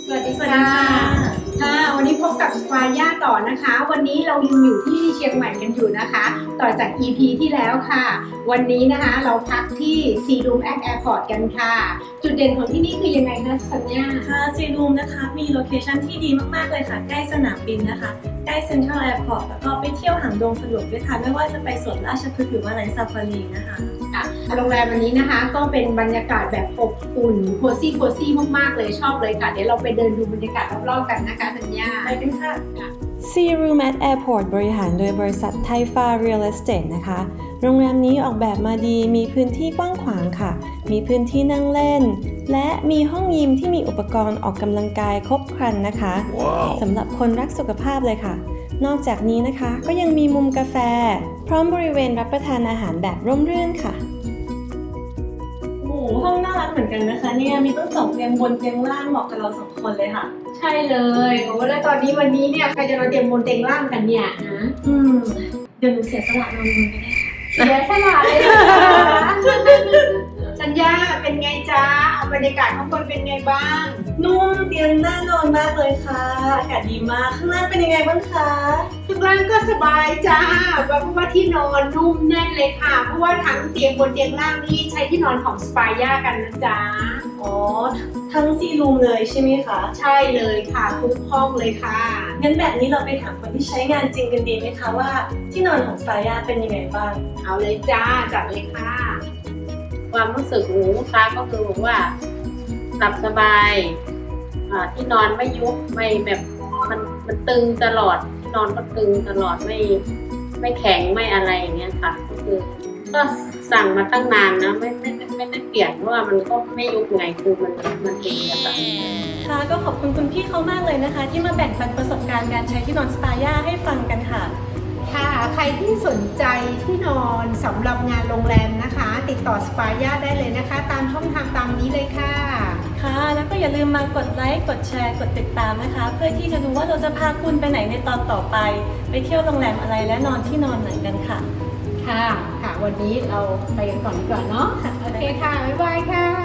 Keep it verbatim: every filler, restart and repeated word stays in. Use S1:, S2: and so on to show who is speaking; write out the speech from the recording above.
S1: สวัสดีค่ะค่ะวันนี้พบกับสปาย่าต่อนะคะวันนี้เรายังอยู่ที่เชียงใหม่กันอยู่นะคะต่อจาก อี พี ที่แล้วค่ะวันนี้นะคะเราพักที่ Sea Room at Airport กันค่ะจุดเด่นของที่นี่คือยังไงคะสัญญา
S2: ค่ะ Sea Room นะคะมีโลเคชั่นที่ดีมากๆเลยค่ะใกล้สนามบินนะคะใกล้เซ็นทรัลแอร์พอร์ตแล้วก็ไปเที่ยวหางดงสะดวกด้วยค่ะไม่ว่าจะไปสวนราชพฤกษ์หรือว่าไนท์ซาฟารีนะคะ
S1: โรงแรมวันนี้นะคะก็เป็นบรรยากาศแบบอบอุ่นโคซี่โคซี่มากๆเลยชอบเลยค่ะเดี๋ยวเราไปเดินดูบรรยากาศรอบๆกันนะคะสัญญา
S2: ไปกันค่ะ
S3: Sea Room at Airport บริหารโดยบริษัทไทฟ้า Real Estate นะคะ โรงแรมนี้ออกแบบมาดีมีพื้นที่กว้างขวางค่ะ มีพื้นที่นั่งเล่น และมีห้องยิมที่มีอุปกรณ์ออกกำลังกายครบครันนะคะ wow. สำหรับคนรักสุขภาพเลยค่ะ นอกจากนี้นะคะก็ยังมีมุมกาแฟ พร้อมบริเวณรับประทานอาหารแบบร่มรื่นค่ะ
S2: โอ้โหห้องน่ารักเหมือนกันนะคะเนี่ยมีตั้งสองเตียงบนเตียงล่างเหมาะกับเราสองคนเลยค่ะ
S1: ใช่เลยโอ้แล้วตอนนี้วันนี้เนี่ยใครจะมาเตรียมบนเตียงล่างกันเนี่ยนะ
S2: อืมเดี๋ยวหนูเสียสละนอนบนก็ได้
S1: เสียสละเลยนะคะสัญญาเป็นไงจ้าเอาบรรยากาศข้างบนเป็นไงบ้าง
S2: นุ่มเตียงน่านอนมากเลยค่ะอากาศดีมากข้างล่างเป็นยังไงบ้างคะ
S1: ข้างล่างก็สบายจ้าเพราะว่าที่นอนนุ่มแน่นเลยค่ะเพราะว่าทั้งเตียงบนเตียงล่างนี่ใช้ที่นอนของสปาย่ากันนะจ๊ะ
S2: อ๋อทั้งซีรูมเลยใช่ไหมคะ
S1: ใช่เลยค่ะทุกห้องเลยค่ะ
S2: งั้นแบบนี้เราไปถามคนที่ใช้งานจริงกันดีไหมคะว่าที่นอนของสปาย่าเป็นยังไงบ้าง
S1: เอาเลยจ้าจัดเลยค่ะ
S4: ความรู้สึกของลูกค้าก็คือบอกว่าหลับสบายที่นอนไม่ยุบไม่แบบมันมันตึงตลอดที่นอนก็ตึงตลอดไม่ไม่แข็งไม่อะไรอย่างเงี้ยค่ะก็คือก็สั่งมาตั้งนานนะไม่ไม่ไม่ได้เปลี่ยนเพราะว่ามันก็ไม่ยุบไงคือมันมันเป็นแบบนี้
S2: ค่ะก็ขอบคุณคุณพี่เขามากเลยนะคะที่มาแบ่งปันประสบการณ์การใช้ที่นอนสปาย่าให้ฟังกันค่ะ
S1: ค่ะใครที่สนใจที่นอนสำหรับงานโรงแรมนะคะติดต่อสปาย่าได้เลยนะคะตามช่องทางตามนี้เลยค่ะ
S2: ค่ะแล้วก็อย่าลืมมากดไลค์กดแชร์กดติดตามนะคะเพื่อที่จะดูว่าเราจะพาคุณไปไหนในตอนต่อไปไปเที่ยวโรงแรมอะไรและนอนที่นอนไหนกันค่ะ
S1: ค่ะค่ะวันนี้เราไปกันก่อนดีกว่าเนาะโอเคค่ะบ๊ายบายค่ะ